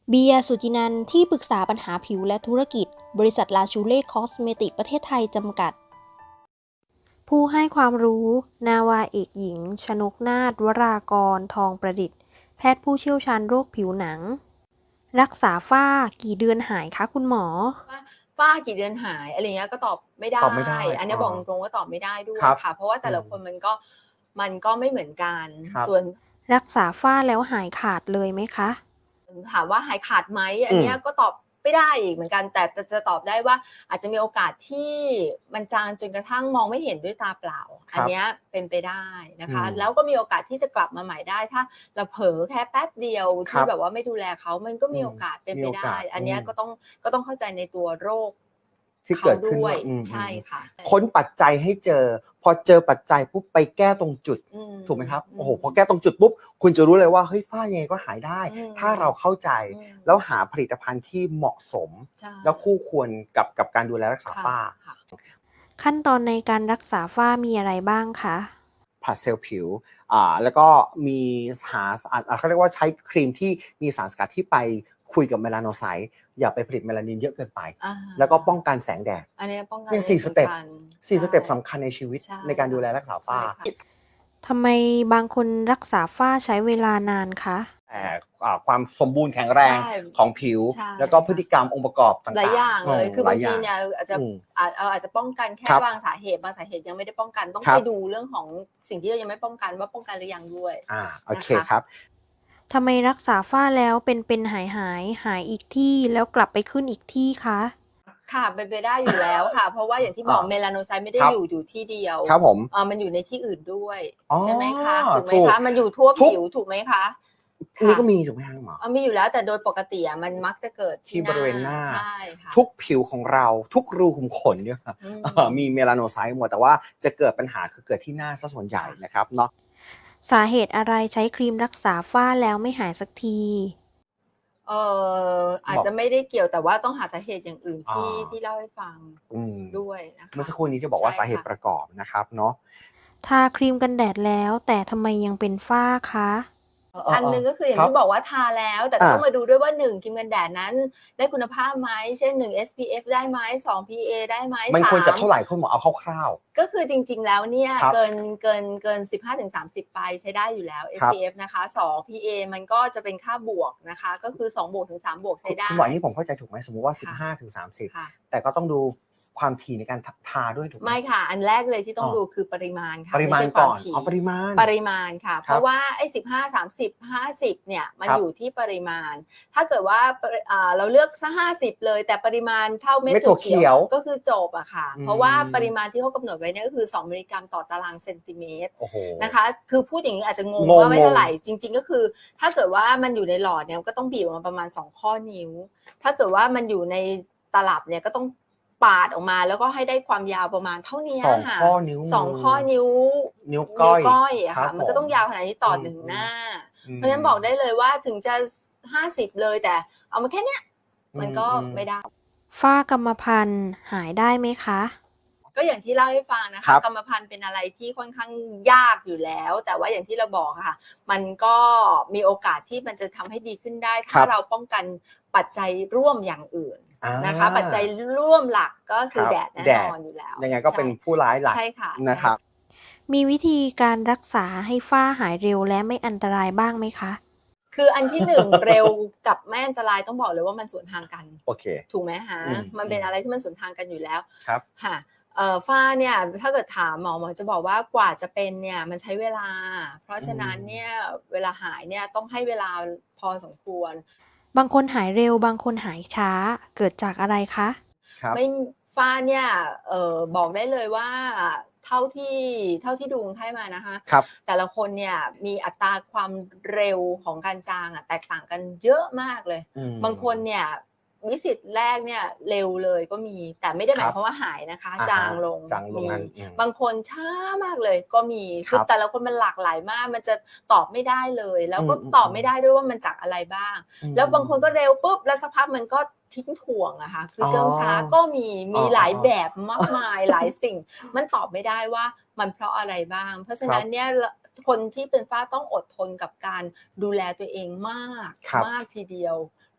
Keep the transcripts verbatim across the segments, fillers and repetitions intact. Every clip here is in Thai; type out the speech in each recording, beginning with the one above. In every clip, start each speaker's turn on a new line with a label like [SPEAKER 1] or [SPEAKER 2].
[SPEAKER 1] เบียร์ สุจินันท์ที่ปรึกษาปัญหาผิวและธุรกิจ บริษัทลาชูเล่คอสเมติกประเทศไทยจำกัด ผู้ให้ความรู้ นาวาเอกหญิง ชนกนาถ วรากร ทองประดิษฐ์ แพทย์ผู้เชี่ยวชาญโรคผิวหนัง รักษาฝ้ากี่เดือนหายคะคุณหมอ
[SPEAKER 2] ว่าฝ้ากี่เดือนหายอะไรเงี้ยก็ตอบไม่ได้
[SPEAKER 3] ตอบไม่ได้
[SPEAKER 2] อันนี้
[SPEAKER 3] อ๋อ
[SPEAKER 2] บอกตรงๆว่าตอบไม่ได้ด้วย
[SPEAKER 3] ครับ
[SPEAKER 2] ค่ะ เพราะว่าแต่ละ
[SPEAKER 3] อืม
[SPEAKER 2] คนมันก็มันก็ไม่เหมือนกัน
[SPEAKER 3] ครับ
[SPEAKER 2] ส่วน
[SPEAKER 1] รักษาฝ้าแล้วหายขาดเลยไหมคะ
[SPEAKER 2] ถามว่าหายขาดไหมอันเนี้ยก็ตอบไม่ได้อีกเหมือนกัน แต่จะตอบได้ว่าอาจจะมีโอกาสที่มันจางจนกระทั่งมองไม่เห็นด้วยตาเปล่า อันเนี้ยเป็นไปได้นะคะ
[SPEAKER 3] อืม
[SPEAKER 2] แล้วก็มีโอกาสที่จะกลับมาใหม่ได้ ถ้าเราเผลอแค่แป๊บเดียว
[SPEAKER 3] ครั
[SPEAKER 2] ที่
[SPEAKER 3] บ
[SPEAKER 2] แบบว่าไม่ดูแลเขามันก็มี
[SPEAKER 3] อืม
[SPEAKER 2] โอกาสเป็น
[SPEAKER 3] มี
[SPEAKER 2] ไป
[SPEAKER 3] โอ
[SPEAKER 2] ได้
[SPEAKER 3] กาส
[SPEAKER 2] อันเนี้ย
[SPEAKER 3] อืม
[SPEAKER 2] ก็ต้องก็ต้องเข้าใจในตัวโรค
[SPEAKER 3] ที่เกิดขึ้น
[SPEAKER 2] ด้วย
[SPEAKER 3] ว่าอืม
[SPEAKER 2] ใช่ค่ะ
[SPEAKER 3] ค้นปัจจัยให้เจอ พอเจอปัจจัยปุ๊บไปแก้ตรงจุด
[SPEAKER 2] อืม
[SPEAKER 3] ถูกไหมครับ
[SPEAKER 2] อืม
[SPEAKER 3] โอ้โห พอแก้ตรงจุดปุ๊บ คุณจะรู้เลยว่า เฮ้ย ฝ้ายังไงก็หายได้
[SPEAKER 2] อืม
[SPEAKER 3] ถ้าเราเข้าใจ
[SPEAKER 2] อืม
[SPEAKER 3] แล้วหาผลิตภัณฑ์ที่เหมาะสม
[SPEAKER 2] ใช่
[SPEAKER 3] แล้วคู่ควรกับกับการดูแลรักษา
[SPEAKER 2] ค่ะ
[SPEAKER 3] ฝ้า
[SPEAKER 2] ค่ะ
[SPEAKER 1] ขั้นตอนในการรักษาฝ้ามีอะไรบ้างคะ
[SPEAKER 3] ผลัดเซลล์ผิว อ่า แล้วก็มีหา อ่า เขาเรียกว่าใช้ครีมที่มีสารสกัดที่ไปคุยกับเมลาโนไซต์ อย่าไปผลิตเมลานินเยอะเกินไป
[SPEAKER 2] อา
[SPEAKER 3] แล้วก็ป้องกันแสงแดด
[SPEAKER 2] อันเนี้ยป้องกัน
[SPEAKER 3] เนี่ย สี่ สเต็ป
[SPEAKER 2] สำคัญ
[SPEAKER 3] สี่
[SPEAKER 2] ใช่
[SPEAKER 3] สเต็ปสำคัญในชีวิต
[SPEAKER 2] ใช่
[SPEAKER 3] ในการดูแลรักษาฝ้า
[SPEAKER 2] ใช่ค่ะ
[SPEAKER 1] ทำไมบางคนรักษาฝ้าใช้เวลานานคะ
[SPEAKER 3] แต่อ่าความสมบูรณ์แข็งแรง
[SPEAKER 2] ใช่
[SPEAKER 3] ของผิว
[SPEAKER 2] ใช่
[SPEAKER 3] แล้วก็พฤติกรรมองค์ประกอบต่างๆ
[SPEAKER 2] หลายอย่างเลย
[SPEAKER 3] ม
[SPEAKER 2] คือบาง
[SPEAKER 3] ห
[SPEAKER 2] ที
[SPEAKER 3] ล
[SPEAKER 2] เนี่ยอาจจะ
[SPEAKER 3] อืม
[SPEAKER 2] อาจเราอาจจะป้องกันแค่
[SPEAKER 3] ครับ
[SPEAKER 2] บางสาเหตุ บางสาเหตุยังไม่ได้ป้องกัน ต้อง
[SPEAKER 3] ครั
[SPEAKER 2] ไป
[SPEAKER 3] บ
[SPEAKER 2] ดูเรื่องของสิ่งที่เรายังไม่ป้องกันว่าป้องกันหรือยังด้วย
[SPEAKER 3] อ่า โอเค
[SPEAKER 2] นะคะ
[SPEAKER 3] ครับ
[SPEAKER 1] ทำไมรักษาฝ้าแล้วเป็นเป็นหายหายหายอีกที่แล้วกลับไปขึ้นอีกที่คะ
[SPEAKER 2] ค่ะ เป็นไปได้อยู่แล้วค่ะ เพราะว่าอย่างที่บอก
[SPEAKER 3] อ่า
[SPEAKER 2] เมลาโนไซต์ไม่ได้
[SPEAKER 3] ครับ
[SPEAKER 2] อยู่อยู่ที่เดียว
[SPEAKER 3] ครับผม
[SPEAKER 2] เอ่อมันอยู่ในที่อื่นด้วย
[SPEAKER 3] อ๋อ
[SPEAKER 2] ใช่ไหมคะ ถูกไหม
[SPEAKER 3] ถูก
[SPEAKER 2] คะ มันอยู่ทั่ว
[SPEAKER 3] ทุก
[SPEAKER 2] ผิวถูกไหมคะ
[SPEAKER 3] นี่
[SPEAKER 2] ค่ะ
[SPEAKER 3] ก็มีถูกไหมครับคุณหมอ
[SPEAKER 2] เออมีอยู่แล้วแต่โดยปกติอะมันมักจะเกิด
[SPEAKER 3] ที่บริเวณหน้า
[SPEAKER 2] ใช่ค่ะ
[SPEAKER 3] ทุกผิวของเรา ทุกรูขุมขนเนี่ยครับ
[SPEAKER 2] อืม
[SPEAKER 3] เอ่อมีเมลาโนไซต์หมด แต่ว่าจะเกิดปัญหาคือเกิดที่หน้าเสียส่วนใหญ่นะครับเนาะ
[SPEAKER 1] สาเหตุอะไรใช้ครีมรักษาฝ้าแล้วไม่หายสักที
[SPEAKER 2] เอ่ออาจ
[SPEAKER 3] บอก
[SPEAKER 2] จะไม่ได้เกี่ยวแต่ว่าต้องหาสาเหตุอย่างอื่นที่
[SPEAKER 3] อ่า
[SPEAKER 2] ที่เล่าให้ฟัง
[SPEAKER 3] อืม
[SPEAKER 2] ด้วยนะคะ
[SPEAKER 3] เมื่อสักครู่นี้ที่บอกว่า
[SPEAKER 2] ใช่
[SPEAKER 3] สาเหตุ
[SPEAKER 2] ค่ะ
[SPEAKER 3] ประกอบนะครับเนาะ
[SPEAKER 1] ทาครีมกันแดดแล้วแต่ทำไมยังเป็นฝ้าคะ
[SPEAKER 2] อันหนึ่งก็คืออย่าง
[SPEAKER 3] ครับ
[SPEAKER 2] ที่บอกว่าทาแล้ว แต่
[SPEAKER 3] อ่า
[SPEAKER 2] ต้องมาดูด้วยว่า หนึ่ง ครีมกันแดดนั้นได้คุณภาพไหม เช่น หนึ่ง เอส พี เอฟ ได้ไหม สอง พี เอ ได้ไหม
[SPEAKER 3] มัน
[SPEAKER 2] สา
[SPEAKER 3] ควรจะ
[SPEAKER 2] ม
[SPEAKER 3] เท่าไหร่คุณหมอเอาคร่าว
[SPEAKER 2] ก็คือจริง ๆ แล้วเนี่ย
[SPEAKER 3] ครับ
[SPEAKER 2] เกินเกินเกิน สิบห้าถึงสามสิบ ไปใช้ได้อยู่แล้ว
[SPEAKER 3] ครับ
[SPEAKER 2] เอส พี เอฟ นะคะ สอง พี เอ มันก็จะเป็นค่าบวกนะคะ ก็คือ สองบวกถึงสามบวก
[SPEAKER 3] ๆ
[SPEAKER 2] ใช้ได้
[SPEAKER 3] คุณหมออันนี้ผมเข้าใจถูกไหมสมมุติว่า
[SPEAKER 2] ค่ะ
[SPEAKER 3] สิบห้าถึงสามสิบ
[SPEAKER 2] ค่ะ
[SPEAKER 3] แต่ก็ต้องดูความถี่ในการททาด้วยถูกไหม
[SPEAKER 2] ไม่ค่ะ อันแรกเลยที่ต้อง
[SPEAKER 3] อ๋อ
[SPEAKER 2] ดูคือปริมาณค่ะ
[SPEAKER 3] ปริมาณ
[SPEAKER 2] ไใช่ค
[SPEAKER 3] ก่
[SPEAKER 2] ว
[SPEAKER 3] อน
[SPEAKER 2] ถี่
[SPEAKER 3] อ๋อปริมาณ
[SPEAKER 2] ปริมาณค่ะ
[SPEAKER 3] ครับ
[SPEAKER 2] เพราะว่าไอ้สิบห้า สามสิบ ห้าสิบเนี่ยมัน
[SPEAKER 3] ครับ
[SPEAKER 2] อยู่ที่ปริมาณ ถ้าเกิดว่าปริอ่าเราเลือกซะห้าสิบเลย แต่ปริมาณเท่าเม็ด
[SPEAKER 3] เม็ดถั่
[SPEAKER 2] ถั่ว
[SPEAKER 3] วเขี
[SPEAKER 2] เขี
[SPEAKER 3] ย
[SPEAKER 2] ยว วก็คือจบอะค่ะ
[SPEAKER 3] อืม
[SPEAKER 2] เพราะว่าปริมาณที่เขากำหนดไว้เนี่ยก็คือสองมิลลิกรัมต่อตารางเซนติเมตร
[SPEAKER 3] โอ้โห
[SPEAKER 2] นะคะ คือพูดอย่างนี้อาจจะงง
[SPEAKER 3] งง
[SPEAKER 2] ว่าไม่เท่าไหร่
[SPEAKER 3] ง
[SPEAKER 2] จริง ๆ ก็คือ ถ้าเกิดว่ามันอยู่ในหลอดเนี่ยก็ต้องบีบออกมาประมาณสองข้อนิ้ว ถ้าเกิดว่ามันอยู่ในตลับเนี่ยก็ต้องปาดออกมาแล้วก็ให้ได้ความยาวประมาณเท่านี้
[SPEAKER 3] สอง
[SPEAKER 2] ค่ะ
[SPEAKER 3] ข้อนิ้ว
[SPEAKER 2] สอง
[SPEAKER 3] มือ
[SPEAKER 2] ข้อนิ้ว
[SPEAKER 3] นิ้วก้อย
[SPEAKER 2] ก้อยอะ
[SPEAKER 3] ครั
[SPEAKER 2] ค่ะ
[SPEAKER 3] บ
[SPEAKER 2] มันก็ต้อง
[SPEAKER 3] ผม
[SPEAKER 2] ยาวขนาดนี้ต่ออ
[SPEAKER 3] ม
[SPEAKER 2] หนึ่งหน้า
[SPEAKER 3] อืม
[SPEAKER 2] เพราะฉะนั้นบอกได้เลยว่าถึงจะห้าสิบเลยแต่เอามาแค่เนี้ยมันก็
[SPEAKER 3] อืม
[SPEAKER 2] ไม่ได้
[SPEAKER 1] ฝ้ากรรมพันธุ์หายได้ไหมคะ
[SPEAKER 2] ก็อย่างที่เล่าให้ฟังนะ
[SPEAKER 3] ครั
[SPEAKER 2] คะ
[SPEAKER 3] บ
[SPEAKER 2] กรรมพันธุ์เป็นอะไรที่ค่อนข้างยากอยู่แล้ว แต่ว่าอย่างที่เราบอกอะค่ะ มันก็มีโอกาสที่มันจะทำให้ดีขึ้นได้
[SPEAKER 3] ครั
[SPEAKER 2] ถ้า
[SPEAKER 3] บ
[SPEAKER 2] เราป้องกันปัจจัยร่วมอย่างอื่น
[SPEAKER 3] อ่า
[SPEAKER 2] นะคะ ปัจจัยร่วมหลักก็คือ
[SPEAKER 3] ครับ
[SPEAKER 2] แดดแน่
[SPEAKER 3] แด
[SPEAKER 2] น
[SPEAKER 3] ด
[SPEAKER 2] อนอยู่แล้ว
[SPEAKER 3] ยังไงก็เป็นผู้ร้ายหลัก
[SPEAKER 2] ใช่ค่ะ
[SPEAKER 3] นะครับ
[SPEAKER 1] มีวิธีการรักษาให้ฝ้าหายเร็วและไม่อันตรายบ้างไหมคะ
[SPEAKER 2] คืออันที่หนึ่ง เร็วกับไม่อันตรายต้องบอกเลยว่ามันสวนทางกัน
[SPEAKER 3] โอเค
[SPEAKER 2] ถูกไหมคะ
[SPEAKER 3] อืม
[SPEAKER 2] มันเป็นอะไรที่มันสวนทางกันอยู่แล้ว
[SPEAKER 3] ครับ
[SPEAKER 2] ค่ะเอ่อฝ้าเนี่ยถ้าเกิดถามหมอหมอจะบอกว่ากว่าจะเป็นเนี่ยมันใช้เวลา เพราะฉะนั้นเนี่ยเวลาหายเนี่ยต้องให้เวลาพอสมควร
[SPEAKER 1] บางคนหายเร็วบางคนหายช้าเกิดจากอะไรคะ
[SPEAKER 3] ครับ
[SPEAKER 2] ไม่ฝ้าเนี่ยเอ่อบอกได้เลยว่าเท่าที่เท่าที่ดูคนไข้มานะคะ
[SPEAKER 3] ครับ
[SPEAKER 2] แต่ละคนเนี่ยมีอัตราความเร็วของการจางอะแตกต่างกันเยอะมากเลย
[SPEAKER 3] อืม
[SPEAKER 2] บางคนเนี่ยวิสิตแรกเนี่ยเร็วเลยก็มี แต่ไม่ได้หมา
[SPEAKER 3] ค
[SPEAKER 2] ย
[SPEAKER 3] รับ
[SPEAKER 2] ความว่าหายนะคะ
[SPEAKER 3] อ่าฮะ
[SPEAKER 2] จางลง
[SPEAKER 3] จางลง
[SPEAKER 2] มี
[SPEAKER 3] นั่นอืม
[SPEAKER 2] บางคนช้ามากเลยก็มี
[SPEAKER 3] ครับ
[SPEAKER 2] คือแต่ละคนมันหลากหลายมาก มันจะตอบไม่ได้เลย แล้วก็
[SPEAKER 3] อืม
[SPEAKER 2] ตอบไม่ได้ด้วยว่ามันจากอะไรบ้าง
[SPEAKER 3] อืม
[SPEAKER 2] แล้วบางคนก็เร็วปุ๊บแล้วสักพักมันก็ทิ้งถ่วงอะค่ะคือเชื่องช้า
[SPEAKER 3] อ๋อ
[SPEAKER 2] ก็มีมี
[SPEAKER 3] อ๋อ
[SPEAKER 2] หลายแบบมากมายหลายสิ่ง มันตอบไม่ได้ว่ามันเพราะอะไรบ้าง เพราะฉะนั้นเนี่ยคนที่เป็นฝ้าต้องอดทนกับการดูแลตัวเองมาก
[SPEAKER 3] ครับ
[SPEAKER 2] มากทีเดียว เพ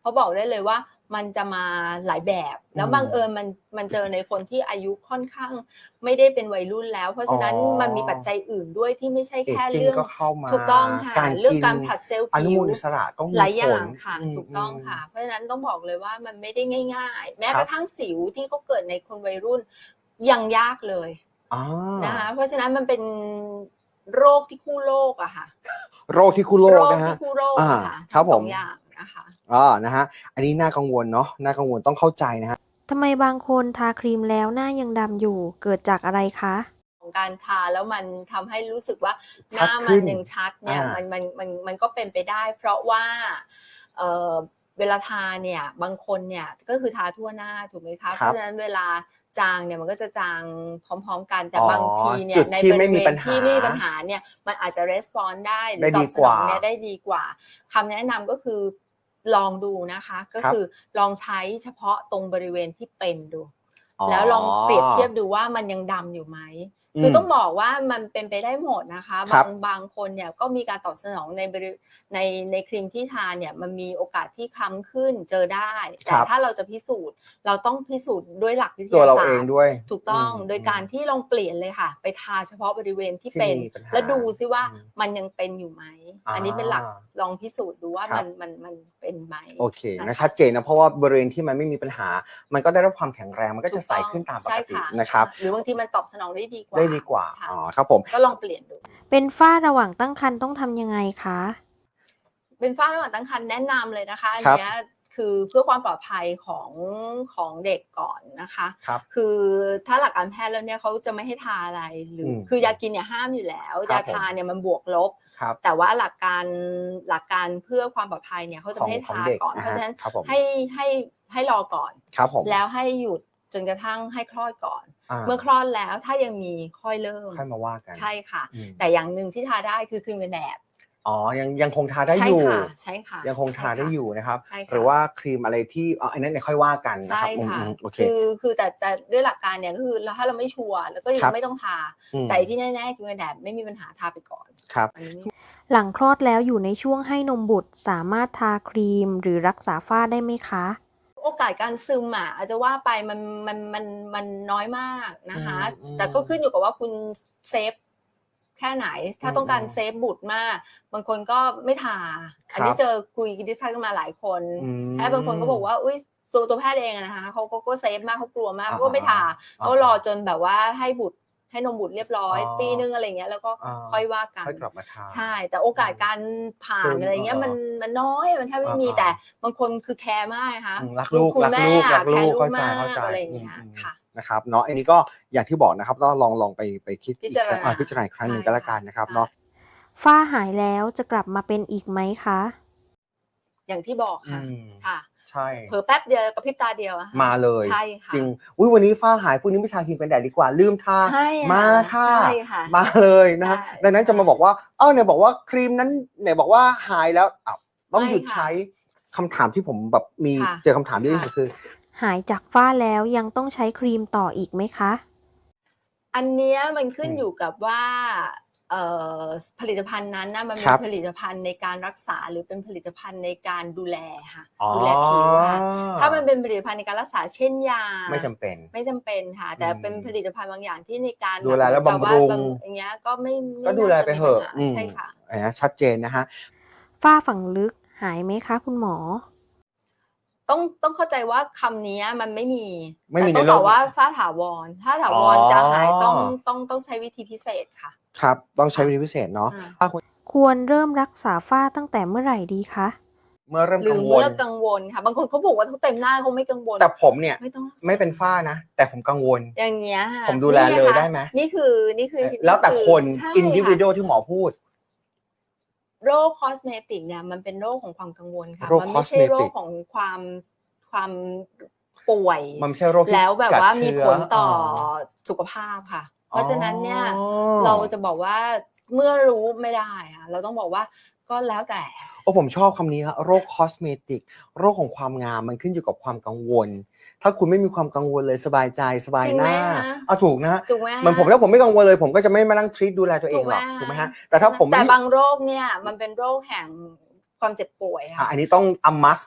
[SPEAKER 2] เขาบอกได้เลยว่ามันจะมาหลายแบบแล้ว
[SPEAKER 3] อืม
[SPEAKER 2] บังเอิญมันมันเจอในคนที่อายุค่อนข้างไม่ได้เป็นวัยรุ่นแล้ว เพราะฉะนั้น
[SPEAKER 3] อ๋อ
[SPEAKER 2] มันมีปัจจัยอื่นด้วยที่ไม่ใช่
[SPEAKER 3] เอจ
[SPEAKER 2] แค่
[SPEAKER 3] จิ้ง
[SPEAKER 2] เรื่อง
[SPEAKER 3] ก็เข้ามา
[SPEAKER 2] ถูกต้องค่ะ
[SPEAKER 3] การ
[SPEAKER 2] เรื่อง
[SPEAKER 3] กิน
[SPEAKER 2] การผลัดเซลล์
[SPEAKER 3] อนุ
[SPEAKER 2] ผิ
[SPEAKER 3] มู
[SPEAKER 2] ว
[SPEAKER 3] ลอิสระต้องมี
[SPEAKER 2] หลายอ
[SPEAKER 3] ผ
[SPEAKER 2] ย่า
[SPEAKER 3] ล
[SPEAKER 2] งค่ะ
[SPEAKER 3] อืม
[SPEAKER 2] ถูกต้อง
[SPEAKER 3] อืม
[SPEAKER 2] ค่ะ เพราะฉะนั้นต้องบอกเลยว่ามันไม่ได้ง่าย ๆ แม้
[SPEAKER 3] ครั
[SPEAKER 2] ก
[SPEAKER 3] บ
[SPEAKER 2] ระทั่งสิวที่เขาเกิดในคนวัยรุ่นยังยากเลย
[SPEAKER 3] อ่า
[SPEAKER 2] นะคะเพราะฉะนั้นมันเป็นโรคที่คู่โลกอะค่ะ
[SPEAKER 3] โรคที่คู่โล
[SPEAKER 2] โร
[SPEAKER 3] ก
[SPEAKER 2] ค
[SPEAKER 3] นะฮะ
[SPEAKER 2] ที่คู่โรค
[SPEAKER 3] อ่า
[SPEAKER 2] อะค่ะ
[SPEAKER 3] ครั
[SPEAKER 2] ทั้
[SPEAKER 3] บ
[SPEAKER 2] ง
[SPEAKER 3] ผ
[SPEAKER 2] สอ
[SPEAKER 3] ม
[SPEAKER 2] งอย่างนะคะ
[SPEAKER 3] อ่านะฮะอันนี้น่ากังวลเนาะน่ากังวลต้องเข้าใจนะฮะ
[SPEAKER 1] ทำไมบางคนทาครีมแล้วหน้ายังดำอยู่ เกิดจากอะไรคะ
[SPEAKER 2] ของการทาแล้วมันทำให้รู้สึกว่าห
[SPEAKER 3] ชัด
[SPEAKER 2] น้า
[SPEAKER 3] ขึ้
[SPEAKER 2] มัน นยังชัดเนี่ย
[SPEAKER 3] อ่ามั
[SPEAKER 2] มันมันมันมันก็เป็นไปได้ เพราะว่าเอ่อเวลาทาเนี่ยบางคนเนี่ยก็คือทาทั่วหน้าถูกไหมคะ
[SPEAKER 3] ค
[SPEAKER 2] เพ
[SPEAKER 3] รับ
[SPEAKER 2] ราะฉะนั้นเวลาจางเนี่ยมันก็จะจางพร้อมๆกันแต่
[SPEAKER 3] อ๋อ
[SPEAKER 2] บางทีเนี่
[SPEAKER 3] จุ
[SPEAKER 2] ย
[SPEAKER 3] ด
[SPEAKER 2] ใน
[SPEAKER 3] ที่
[SPEAKER 2] บ
[SPEAKER 3] ไม่
[SPEAKER 2] ริ
[SPEAKER 3] มี
[SPEAKER 2] เว
[SPEAKER 3] ปั
[SPEAKER 2] ณ
[SPEAKER 3] ญหา
[SPEAKER 2] ที่ไม่มีปัญหาเนี่ยมันอาจจะ response ได้หรื
[SPEAKER 3] ได้
[SPEAKER 2] อต
[SPEAKER 3] ดี
[SPEAKER 2] อบส
[SPEAKER 3] ก
[SPEAKER 2] น
[SPEAKER 3] ว่า
[SPEAKER 2] องเนี่ยได้ดีกว่าคำแนะนำก็คือลองดูนะคะ ก็
[SPEAKER 3] ครับ
[SPEAKER 2] คือลองใช้เฉพาะตรงบริเวณที่เป็นดู
[SPEAKER 3] อ๋อ
[SPEAKER 2] แล้วลองเปรียบเทียบดูว่ามันยังดำอยู่ไหม
[SPEAKER 3] อื
[SPEAKER 2] คือ
[SPEAKER 3] ม
[SPEAKER 2] ต้องบอกว่ามันเป็นไปได้หมดนะคะ
[SPEAKER 3] ครับ
[SPEAKER 2] า
[SPEAKER 3] บ
[SPEAKER 2] งบางคนเนี่ยก็มีการตอบสนองในบริในในครีมที่ทาเนี่ยมันมีโอกาสที่คล้ำขึ้นเจอได้
[SPEAKER 3] ค
[SPEAKER 2] แต่
[SPEAKER 3] รับ
[SPEAKER 2] ถ้าเราจะพิสูจน์เราต้องพิสูจน์ด้วยหลักวิท
[SPEAKER 3] ตัวย
[SPEAKER 2] า
[SPEAKER 3] เรา
[SPEAKER 2] ศา
[SPEAKER 3] เอ
[SPEAKER 2] ส
[SPEAKER 3] ง
[SPEAKER 2] ตร์
[SPEAKER 3] ด้วย
[SPEAKER 2] ถูกต้อง
[SPEAKER 3] อืม
[SPEAKER 2] โดยการที่ลองเปลี่ยนเลยค่ะ ไปทาเฉพาะบริเวณที่
[SPEAKER 3] ที่
[SPEAKER 2] เป็น
[SPEAKER 3] มีปัญหา
[SPEAKER 2] แล้วดูซิว่า
[SPEAKER 3] อืม
[SPEAKER 2] มันยังเป็นอยู่ไหม
[SPEAKER 3] อา
[SPEAKER 2] อันนี้เป็นหลักลองพิสูจน์ดูว่า
[SPEAKER 3] ครั
[SPEAKER 2] มั
[SPEAKER 3] บ
[SPEAKER 2] นมันมันเป็นไหม
[SPEAKER 3] โอเค
[SPEAKER 2] นะ
[SPEAKER 3] นะคะ ชัดเจนนะ เพราะว่าบริเวณที่มันไม่มีปัญหา มันก็ได้รับความแข็งแรง มันก็
[SPEAKER 2] ถู
[SPEAKER 3] จะ
[SPEAKER 2] ก
[SPEAKER 3] ใส
[SPEAKER 2] ต้อง
[SPEAKER 3] ขึ้นตามป
[SPEAKER 2] ใช่
[SPEAKER 3] กติ
[SPEAKER 2] ค่ะ
[SPEAKER 3] นะครับ
[SPEAKER 2] หรือบางทีมันตอบสนองได้ดีกว่า
[SPEAKER 3] ได้ดีกว่า
[SPEAKER 2] ค่ะ
[SPEAKER 3] อ๋อ ครับผม
[SPEAKER 2] ก็ลองเปลี่ยนดู
[SPEAKER 1] เป็นฝ้าระหว่างตั้งครรภ์ต้องทำยังไงคะ
[SPEAKER 2] เป็นฝ้าระหว่างตั้งครรภ์แนะนำเลยนะคะ อัน
[SPEAKER 3] ครับ
[SPEAKER 2] เนี้ยคือเพื่อความปลอดภัยของของเด็กก่อนนะคะ
[SPEAKER 3] ครับ
[SPEAKER 2] คือถ้าหลักการแพทย์แล้วเนี่ยเขาจะไม่ให้ทาอะไรหรือ
[SPEAKER 3] ม
[SPEAKER 2] คือยากินเนี่ยห้ามอยู่แล้ว
[SPEAKER 3] ครั
[SPEAKER 2] ยา
[SPEAKER 3] บผม
[SPEAKER 2] ทาเนี่ยมันบวกลบ
[SPEAKER 3] ครับ
[SPEAKER 2] แต่ว่าหลักการหลักการเพื่อความปลอดภัยเนี่ยเขาจะ
[SPEAKER 3] ของ
[SPEAKER 2] ไม่ให้
[SPEAKER 3] ของ
[SPEAKER 2] ทา
[SPEAKER 3] เด็ก
[SPEAKER 2] ก่อน
[SPEAKER 3] อะ
[SPEAKER 2] เพราะ
[SPEAKER 3] ฮะ
[SPEAKER 2] ฉะนั้น
[SPEAKER 3] ครับผม
[SPEAKER 2] ให้ให้ให้รอก่อน
[SPEAKER 3] ครับผม
[SPEAKER 2] แล้วให้หยุดจนกระทั่งให้คลอดก่อน
[SPEAKER 3] อา
[SPEAKER 2] เมื่อคลอดแล้วถ้ายังมีค่อยเริ่ม
[SPEAKER 3] ค่อยมาว่ากัน
[SPEAKER 2] ใช่ค่ะ
[SPEAKER 3] อืม
[SPEAKER 2] แต่อย่างหนึ่งที่ทาได้คือครีมกันแดด
[SPEAKER 3] อ๋อ ยัง ยังคงทาได้
[SPEAKER 2] ใช่
[SPEAKER 3] อยู่
[SPEAKER 2] ค่ะ ใช่ค่ะ
[SPEAKER 3] ยังคงทาได้
[SPEAKER 2] ใช่ค่ะ
[SPEAKER 3] อยู่นะครับ
[SPEAKER 2] ใช่ค่ะ
[SPEAKER 3] หรือว่าครีมอะไรที่ อ๋อ อันนั้นเดี๋ยวค่อยว่ากันนะ
[SPEAKER 2] ใช่
[SPEAKER 3] ครับ อื
[SPEAKER 2] ค่ะ
[SPEAKER 3] ม ๆ โอเค
[SPEAKER 2] คือคือแต่แต่ด้วยหลักการเนี่ยก็คือถ้าเราไม่ชัวร์เราก็ยั
[SPEAKER 3] ครั
[SPEAKER 2] ง
[SPEAKER 3] บ
[SPEAKER 2] ไม่ต้องทา
[SPEAKER 3] อืม
[SPEAKER 2] แต่ที่แน่ๆครีมกันแดดไม่มีปัญหาทาไปก่อน
[SPEAKER 3] ครับ
[SPEAKER 2] อันนี้
[SPEAKER 1] หลังคลอดแล้วอยู่ในช่วงให้นมบุตรสามารถทาครีมหรือรักษาฝ้าได้ไหมคะ
[SPEAKER 2] โอกาสการซึมอะอาจจะว่าไปมันมันมันมันน้อยมากนะคะ
[SPEAKER 3] อืม
[SPEAKER 2] แต่ก็ขึ้นอยู่กับว่าคุณเซฟแค่ไหน ถ้า
[SPEAKER 3] อืม
[SPEAKER 2] ต้องการเซฟบุตรมาก บางคนก็ไม่ทา
[SPEAKER 3] ครับ
[SPEAKER 2] อันนี้เจอคุยดิสคัสกันมาหลายคน
[SPEAKER 3] อืม
[SPEAKER 2] แพทย์บางคนก็บอกว่าอุ้ยตัวตัวแพทย์เองอะนะคะเขาเขาก็เซฟมากเขากลัวมาก
[SPEAKER 3] อ่า
[SPEAKER 2] เขาก็ไม่ทา
[SPEAKER 3] อ่า
[SPEAKER 2] เขารอจนแบบว่าให้บุตรให้นมบุตรเรียบร้อย
[SPEAKER 3] อ๋อ
[SPEAKER 2] ปีนึงอะไรเงี้ยแล้วก็
[SPEAKER 3] อ่า
[SPEAKER 2] ค่อยว่ากัน
[SPEAKER 3] ค่อยกลับมาทา
[SPEAKER 2] ใช่ แต่โอกาสการผ่า
[SPEAKER 3] ซึ
[SPEAKER 2] น
[SPEAKER 3] ม
[SPEAKER 2] อะไรเงี้ย
[SPEAKER 3] เออ
[SPEAKER 2] มันมันน้อยมันแทบไม่มี
[SPEAKER 3] อ่า
[SPEAKER 2] แต่บางคนคือแคร์มากนะคะ
[SPEAKER 3] อืมรักลูก
[SPEAKER 2] คุณ
[SPEAKER 3] รัก
[SPEAKER 2] แม่
[SPEAKER 3] ลูก
[SPEAKER 2] อะ
[SPEAKER 3] รัก
[SPEAKER 2] แค
[SPEAKER 3] ลู
[SPEAKER 2] ร์
[SPEAKER 3] ก
[SPEAKER 2] ลูก
[SPEAKER 3] เข้าใจ
[SPEAKER 2] มาก
[SPEAKER 3] เข้าใจ
[SPEAKER 2] อะไรอย่างเงี้ย
[SPEAKER 3] อืมๆ
[SPEAKER 2] ค่ะ
[SPEAKER 3] นะครับเนาะอันนี้ก็อย่างที่บอกนะครับก็ลองลองไปไปคิด
[SPEAKER 2] พิ
[SPEAKER 3] อีก
[SPEAKER 2] จาร
[SPEAKER 3] ครั้ง
[SPEAKER 2] ณา
[SPEAKER 3] อ่าพิจารณาอีกครั้งหนึ่ง
[SPEAKER 2] ใช่
[SPEAKER 3] ก็แล้วกันนะครับ
[SPEAKER 2] ใช่
[SPEAKER 3] เนาะ
[SPEAKER 1] ฝ้าหายแล้วจะกลับมาเป็นอีกไหมคะ
[SPEAKER 2] อย่างที่บอก
[SPEAKER 3] อื
[SPEAKER 2] ค่ะ
[SPEAKER 3] ม
[SPEAKER 2] ค่ะ
[SPEAKER 3] ใช่
[SPEAKER 2] เผลอแป๊บเดียวกระพริบตาเดียวอะค่ะ
[SPEAKER 3] มาเลย
[SPEAKER 2] ใช่ค่ะ
[SPEAKER 3] จริงอุ้ยวันนี้ฝ้าหายพรุ่งนี้ไม่ทาครีมกันแดดดีกว่าลืมทา
[SPEAKER 2] ใช่ค่ะ
[SPEAKER 3] มาค่ะ
[SPEAKER 2] ใช่ค่ะ
[SPEAKER 3] มาเลยนะฮะ
[SPEAKER 2] ใช่
[SPEAKER 3] ดังนั้นจะมาบอกว่าเอ้าเนี่ยบอกว่าครีมนั้นเนี่ยบอกว่าหายแล้วอ้าวต้อง
[SPEAKER 2] ไม่
[SPEAKER 3] หยุด
[SPEAKER 2] ค่ะ
[SPEAKER 3] ใช้คำถามที่ผมแบบมี
[SPEAKER 2] ค่ะ
[SPEAKER 3] เจอคำถามเยอะที่สุด
[SPEAKER 2] ค่ะ
[SPEAKER 3] คือ
[SPEAKER 1] หายจากฝ้าแล้วยังต้องใช้ครีมต่ออีกไหมคะ
[SPEAKER 2] อันเนี้ยมันขึ้น
[SPEAKER 3] อืม
[SPEAKER 2] อยู่กับว่าเอ่อผลิตภัณฑ์นั้นนะมัน
[SPEAKER 3] ค
[SPEAKER 2] มี
[SPEAKER 3] รับ
[SPEAKER 2] ผลิตภัณฑ์ในการรักษาหรือเป็นผลิตภัณฑ์ในการดูแลค่ะ
[SPEAKER 3] อ๋อ
[SPEAKER 2] ดูแลผิวค่ะ ถ้ามันเป็นผลิตภัณฑ์ในการรักษาเช่นยา
[SPEAKER 3] ไม่จำเป็น
[SPEAKER 2] ไม่จำเป็นค่ะ แต่
[SPEAKER 3] อืม
[SPEAKER 2] เป็นผลิตภัณฑ์บางอย่างที่ในการ
[SPEAKER 3] ดูแลและ
[SPEAKER 2] บบ
[SPEAKER 3] ำรุง
[SPEAKER 2] อย่างเงี้ยก็ไม่ไม่
[SPEAKER 3] ก็ดูแล
[SPEAKER 2] น่าจะ
[SPEAKER 3] ไป
[SPEAKER 2] มี
[SPEAKER 3] เถอะ
[SPEAKER 2] ปัญหา
[SPEAKER 3] อืม
[SPEAKER 2] ใช่ค่ะ
[SPEAKER 3] อันนี้ชัดเจนนะฮะ
[SPEAKER 1] ฝ้าฝังลึกหายไหมคะคุณหมอ
[SPEAKER 2] ต้องต้องเข้าใจว่าคำนี้มันไม่มี
[SPEAKER 3] ไม่มี
[SPEAKER 2] แต่ต้อง
[SPEAKER 3] ในโล
[SPEAKER 2] บอก กว่าฝ้าถาวร ถ้าถาวร
[SPEAKER 3] อ๋อ
[SPEAKER 2] จะหายต้องต้องต้องใช้วิธีพิเศษค่ะ
[SPEAKER 3] ครับต้องใช้วิธีพิเศษเนาะ
[SPEAKER 2] อ่า
[SPEAKER 3] ถ้าคุณ
[SPEAKER 1] ควรเริ่มรักษาฝ้าตั้งแต่เมื่อไหร่ดีคะ
[SPEAKER 3] เมื่อเริ่ม
[SPEAKER 2] หรื
[SPEAKER 3] กั
[SPEAKER 2] อง
[SPEAKER 3] วล
[SPEAKER 2] เมื่อกังวลค่ะ บางคนเขาบอกว่าเขาเต็มหน้าเขาไม่กังวล
[SPEAKER 3] แต่ผมเนี่ย
[SPEAKER 2] ไม่ต้องรักษา
[SPEAKER 3] ไม่เป็นฝ้านะ แต่ผมกังวล
[SPEAKER 2] อย่างเงี้ยค่ะ
[SPEAKER 3] ผมดูแล
[SPEAKER 2] นี่ง
[SPEAKER 3] เลย
[SPEAKER 2] คะ
[SPEAKER 3] ได้ไหม
[SPEAKER 2] นี่คือนี่คือ
[SPEAKER 3] แล้วแต่คน
[SPEAKER 2] ใช่
[SPEAKER 3] อินดิวิ
[SPEAKER 2] ค่ะ
[SPEAKER 3] วที่หมอพูด
[SPEAKER 2] โรคคอสเมติกเนี่ยมันเป็นโรคของความกังวลค่ะ
[SPEAKER 3] โรค
[SPEAKER 2] มันไม่ใช่
[SPEAKER 3] cosmetic
[SPEAKER 2] โรคของความความป่วย
[SPEAKER 3] มันไม่ใช่โรคที่
[SPEAKER 2] แล้วแบบ
[SPEAKER 3] กัด
[SPEAKER 2] ว่ามี
[SPEAKER 3] เชื้อ
[SPEAKER 2] ผลต่อ
[SPEAKER 3] อ
[SPEAKER 2] สุขภาพค่ะ เพราะฉะนั้นเนี่ย
[SPEAKER 3] อ๋อ
[SPEAKER 2] เราจะบอกว่าเมื่อรู้ไม่ได้ค่ะเราต้องบอกว่าก็แล้วแต่
[SPEAKER 3] โอ้ผมชอบคำนี้ครับโรคคอสเมติกโรคของความงามมันขึ้นอยู่กับความกังวล ถ้าคุณไม่มีความกังวลเลยสบายใจสบาย
[SPEAKER 2] จริง
[SPEAKER 3] ห
[SPEAKER 2] ไหม
[SPEAKER 3] น้า
[SPEAKER 2] คะ
[SPEAKER 3] เอาถูกนะฮะ
[SPEAKER 2] ถูกไหม
[SPEAKER 3] เหมือนผมถ้าผมไม่กังวลเลย ผมก็จะไม่มานั่งทรีตดูแลตัวเองหรอกถูกไหมฮะแต่ถ้าผม
[SPEAKER 2] แต่
[SPEAKER 3] ไม่
[SPEAKER 2] บางโรคเนี่ยมันเป็นโรคแห่งความเจ็บป่วย
[SPEAKER 3] อ่ะ
[SPEAKER 2] ค่ะ
[SPEAKER 3] อันนี้ต้องอัมมัส
[SPEAKER 2] ถ้า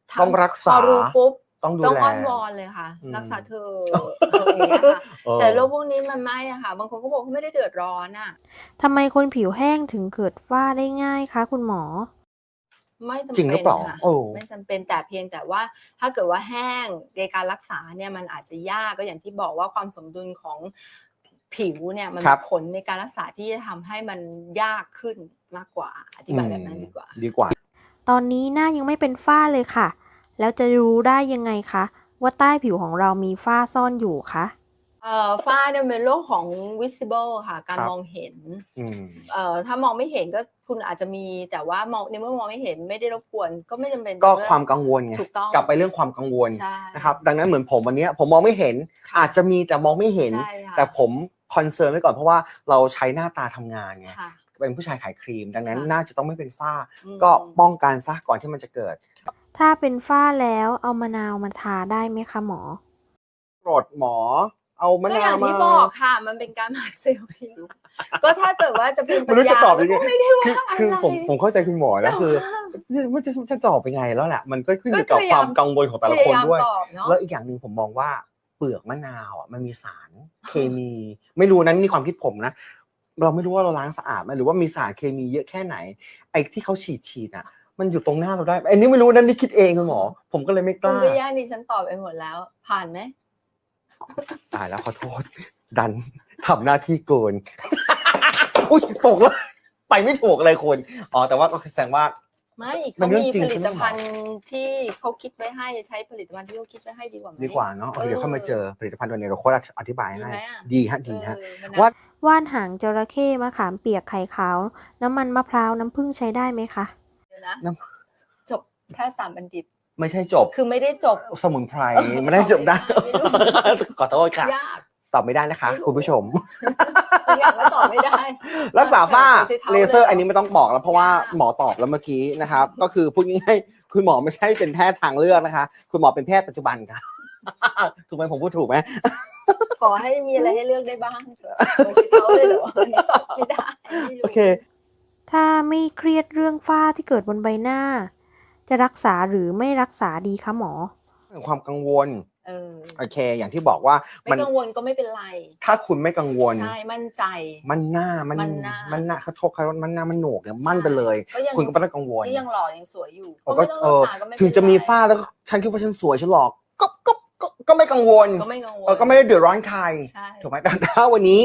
[SPEAKER 2] ทำ
[SPEAKER 3] ต้องรักษา
[SPEAKER 2] พอรู้ปุ๊บ
[SPEAKER 3] ต้องดู
[SPEAKER 2] ต้อง
[SPEAKER 3] แล
[SPEAKER 2] อ้อนวอนเลยค่ะ
[SPEAKER 3] อืม
[SPEAKER 2] รักษาเธออะไรอย่างเงี้ยค่ะ
[SPEAKER 3] เออ
[SPEAKER 2] แต่โรคพวกนี้มันไม่อะค่ะ บางคนก็บอกว่าไม่ได้เดือดร้อนอะ
[SPEAKER 1] ทำไมคนผิวแห้งถึงเกิดฝ้าได้ง่ายคะคุณหมอ
[SPEAKER 2] ไม่จำ
[SPEAKER 3] จริงหรื
[SPEAKER 2] เป็
[SPEAKER 3] อน เปล่า
[SPEAKER 2] ค่ะ
[SPEAKER 3] โอ้
[SPEAKER 2] ไม่จำเป็นแต่เพียงแต่ว่าถ้าเกิดว่าแห้งในการรักษาเนี่ยมันอาจจะยากก็อย่างที่บอกว่าความสมดุลของผิวเนี่ยมัน
[SPEAKER 3] ครั
[SPEAKER 2] มี
[SPEAKER 3] บ
[SPEAKER 2] ผลในการรักษาที่จะทำให้มันยากขึ้นมากกว่าอธิบายแบบนั้นดีกว่า
[SPEAKER 3] ดีกว่า
[SPEAKER 1] ตอนนี้หน้ายังไม่เป็นฝ้าเลยค่ะ แล้วจะรู้ได้ยังไงคะว่าใต้ผิวของเรามีฝ้าซ่อนอยู่คะ
[SPEAKER 2] เอ่อฝ้าเนี่ยเป็นโรคของ visible ค่ะ การ
[SPEAKER 3] ครับ
[SPEAKER 2] มองเห็น
[SPEAKER 3] อืม
[SPEAKER 2] เอ่อถ้ามองไม่เห็นก็คุณอาจจะมีแต่ว่ามองในเมื่อมองไม่เห็นไม่ได้รบกวนก็ไม่จำเป็น
[SPEAKER 3] ก็
[SPEAKER 2] เรื่อง
[SPEAKER 3] ความกังวลไง
[SPEAKER 2] ถูกต้อง
[SPEAKER 3] กลับไปเรื่องความกังวล
[SPEAKER 2] ใช่
[SPEAKER 3] นะครับ ดังนั้นเหมือนผมวันเนี้ยผมมองไม่เห็น
[SPEAKER 2] ค่ะ
[SPEAKER 3] อาจจะมีแต่มองไม่เห็น
[SPEAKER 2] ใช่ค่ะ
[SPEAKER 3] แต่ผมคอนเซิร์นไว้ก่อนเพราะว่าเราใช้หน้าตาทำงานไง
[SPEAKER 2] ค่ะ
[SPEAKER 3] เป็นผู้ชายขายครีม ดังนั้น
[SPEAKER 2] ค่ะ
[SPEAKER 3] น่าจะต้องไม่เป็นฝ้า
[SPEAKER 2] อืม
[SPEAKER 3] ก็ป้องกันซะก่อนที่มันจะเกิด
[SPEAKER 1] ถ้าเป็นฝ้าแล้วเอามะนาวมาทาได้ไหมคะหมอ
[SPEAKER 3] โปรดหมอ เอามะ
[SPEAKER 2] ก็อ
[SPEAKER 3] นา
[SPEAKER 2] ย่าว ง
[SPEAKER 3] มา
[SPEAKER 2] ที่บอกค่ะ มันเป็นการมาเซลล์ผิว ก็ถ้าเกิดว่าจะเป็นปั
[SPEAKER 3] ไม่
[SPEAKER 2] ญ
[SPEAKER 3] รู้จะ
[SPEAKER 2] ญา
[SPEAKER 3] ตอบยังไง
[SPEAKER 2] ก็ไม่ได้
[SPEAKER 3] คือ
[SPEAKER 2] ว่า
[SPEAKER 3] คือ
[SPEAKER 2] อะไร
[SPEAKER 3] ผมผมเข้าใจคุณหมอ
[SPEAKER 2] แต่
[SPEAKER 3] นะคือ
[SPEAKER 2] ว่า
[SPEAKER 3] มันจะจะตอบยังไงแล้วแหละมันก็ขึ้นอยู่
[SPEAKER 2] ก็
[SPEAKER 3] กับ
[SPEAKER 2] พยา
[SPEAKER 3] ค
[SPEAKER 2] ยาม
[SPEAKER 3] วามกังวลของแต่ละ
[SPEAKER 2] พ
[SPEAKER 3] คน
[SPEAKER 2] ยายาม
[SPEAKER 3] ด้วย
[SPEAKER 2] ตอบเนาะ
[SPEAKER 3] แล้วอีกอย่างหนึ่งผมมองว่าเปลือกมะนาวอ่ะมันมีสารเคมี ไม่รู้นั้นนี่ความคิดผมนะ เราไม่รู้ว่าเราล้างสะอาดไหมหรือว่ามีสารเคมีเยอะแค่ไหน ไอ้ที่เขาฉีดฉีดอ่ะ มันอยู่ตรงหน้าเราได้ไอ้นี่ไม่รู้นั่นนี่คิดเองคุณหมอ ผมก็เลยไม่ก
[SPEAKER 2] คุณ
[SPEAKER 3] ล้า
[SPEAKER 2] ก็ย่านี่ฉันตอบไปหมดแล้ว ผ่านไหม
[SPEAKER 3] ตายแล้วขอโทษ ดันทำหน้าที่เกิน อุ้ยตกแล้วไปไม่ถูกเลยคุณอ๋อแต่ว่าก็แสดงว่า
[SPEAKER 2] ไม่
[SPEAKER 3] มั
[SPEAKER 2] เขา
[SPEAKER 3] นเรื่อง
[SPEAKER 2] มี
[SPEAKER 3] จริง
[SPEAKER 2] ผลิ
[SPEAKER 3] ใช่ไหม
[SPEAKER 2] ตภัณฑ์ที่เขาคิดไว้ให้ใช้ผลิตภัณฑ์ที่เขาคิดไว้ให้ดีกว่าไหม
[SPEAKER 3] ดีกว่าเนาะเดี๋ยวเข้ามาเจอผลิตภัณฑ์ตัวนี้เราโค้ชอธิบาย
[SPEAKER 2] ดี
[SPEAKER 3] ให้
[SPEAKER 2] ไหมอะ
[SPEAKER 3] ดีฮะดีฮะ
[SPEAKER 2] เออมัน
[SPEAKER 3] ว่า
[SPEAKER 1] ว่านหางจระเข้มะขามเปียกไข่ขาว น้ำมันมะพร้าวน้ำผึ้งใช้ได้ไหมคะ
[SPEAKER 2] เดี๋ยวนะ
[SPEAKER 3] น้
[SPEAKER 2] จบแพทยศาสตร์บัณฑิต
[SPEAKER 3] ไม่ใช่จบ
[SPEAKER 2] คือไม่ได้จบ
[SPEAKER 3] สมุนไพรไม่ได้จบได้
[SPEAKER 2] ไม่รู้
[SPEAKER 3] ขอโทษค่ะ
[SPEAKER 2] ยาก
[SPEAKER 3] ตอบไม่ได้นะคะ
[SPEAKER 2] ไม่รู้
[SPEAKER 3] คุณผู้ชม
[SPEAKER 2] บางอย่างก็ตอบไม่ได้
[SPEAKER 3] รักษาฝ้า
[SPEAKER 2] ใช้ท้
[SPEAKER 3] เลเซอร์
[SPEAKER 2] ลยห
[SPEAKER 3] อันนี้ไม่ต้องบอกแล้วเพราะว่า
[SPEAKER 2] ไม่ได้
[SPEAKER 3] หมอตอบแล้วเมื่อกี้นะครับ ก็คือพูดง่ายๆคุณหมอไม่ใช่เป็นแพทย์ทางเลือกนะคะ คุณหมอเป็นแพทย์ปัจจุบันค่ะ ถูกไหมผมพูดถูกไหม
[SPEAKER 2] ขอให้มีอะไรให้เลือกได้บ้างเถอะไม่ใช่เขาเลยเหรออันนี้ตอบไม่ได้ไม่รู้
[SPEAKER 3] โอเค
[SPEAKER 1] ถ้าไม่เครียดเรื่องฝ้าที่เกิดบนใบหน้า จะรักษาหรือไม่รักษาดีคะหมอ
[SPEAKER 3] ความกังวล
[SPEAKER 2] เออ
[SPEAKER 3] โอเค อย่างที่บอกว่า
[SPEAKER 2] ไม่
[SPEAKER 3] มัน
[SPEAKER 2] กังวลก็ไม่เป็นไร
[SPEAKER 3] ถ้าคุณไม่กังวล
[SPEAKER 2] ใช่มั่นใจ
[SPEAKER 3] มันหน้ามัน
[SPEAKER 2] มันหน้า
[SPEAKER 3] มันหน้าเขาโทษเขามันหน้ามันโหนกเนี่ยมั่นไปเลย
[SPEAKER 2] ก็ยัง
[SPEAKER 3] คุณก็ไม่ต้องกังวล
[SPEAKER 2] ก็ยังหล่อยังสวยอยู่
[SPEAKER 3] ผม
[SPEAKER 2] ก็
[SPEAKER 3] ก็
[SPEAKER 2] ไม่ต้อง
[SPEAKER 3] เอ
[SPEAKER 2] รัก
[SPEAKER 3] อ
[SPEAKER 2] ษาก็ไม่เป็นไร
[SPEAKER 3] ถึงจะมีฝ้าแล้วก็ฉันคิดว่าฉันสวยฉันหลอกก็ก็ก็ก็ไม่กังวล
[SPEAKER 2] ก็ไม่กังวล
[SPEAKER 3] เออก็ไม่ได้เดือดร้อนใคร
[SPEAKER 2] ใช่
[SPEAKER 3] ถูกไหมแต่ถ้าวันนี้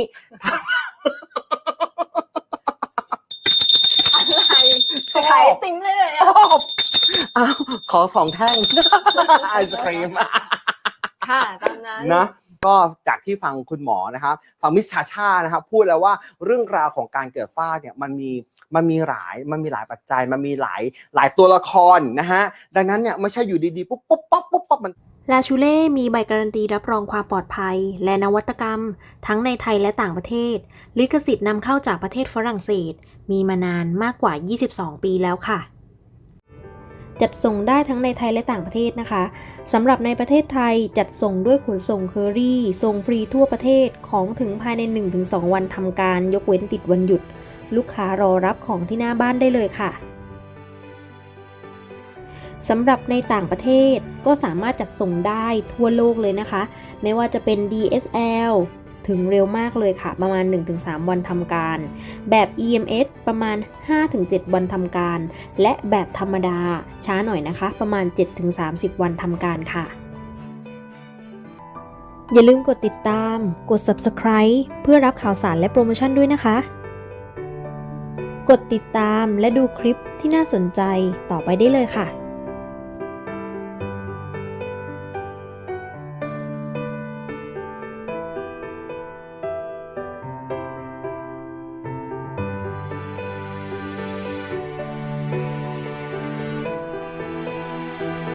[SPEAKER 2] อะไรขายไอติมเลยเลยอะ
[SPEAKER 3] อ้าวขอสองแท่ง ไอศครีม
[SPEAKER 2] ค่ะตามนั้น
[SPEAKER 3] นะก็จากที่ฟังคุณหมอนะครับฟังมิสชาชานะครับพูดแล้วว่าเรื่องราวของการเกิดฝ้าเนี่ยมันมีมันมีหลายมันมีหลายปัจจัยมันมีหลายหลายตัวละครนะฮะดังนั้นเนี่ยไม่ใช่อยู่ดีๆปุ๊บปุ๊บปั๊บปุ๊บปั๊บมัน
[SPEAKER 1] ลาชูเล่มีใบการันตีรับรองความปลอดภัย และนวัตกรรม ทั้งในไทยและต่างประเทศ ลิขสิทธิ์นำเข้าจากประเทศฝรั่งเศส มีมานานมากกว่า ยี่สิบสอง ปีแล้วค่ะ จัดส่งได้ทั้งในไทยและต่างประเทศนะคะสำหรับในประเทศไทยจัดส่งด้วยขนส่งเคอรี่ส่งฟรีทั่วประเทศของถึงภายใน หนึ่งถึงสอง วันทำการยกเว้นติดวันหยุด ลูกค้ารอรับของที่หน้าบ้านได้เลยค่ะสำหรับในต่างประเทศก็สามารถจัดส่งได้ทั่วโลกเลยนะคะไม่ว่าจะเป็น ดี เอส แอล ถึงเร็วมากเลยค่ะประมาณ หนึ่งถึงสาม วันทำการแบบ อี เอ็ม เอส ประมาณ ห้าถึงเจ็ด วันทำการและแบบธรรมดาช้าหน่อยนะคะประมาณ เจ็ดถึงสามสิบ วันทำการค่ะอย่าลืมกดติดตามกด ซับสไครบ์ เพื่อรับข่าวสารและโปรโมชั่นด้วยนะคะกดติดตามและดูคลิปที่น่าสนใจต่อไปได้เลยค่ะ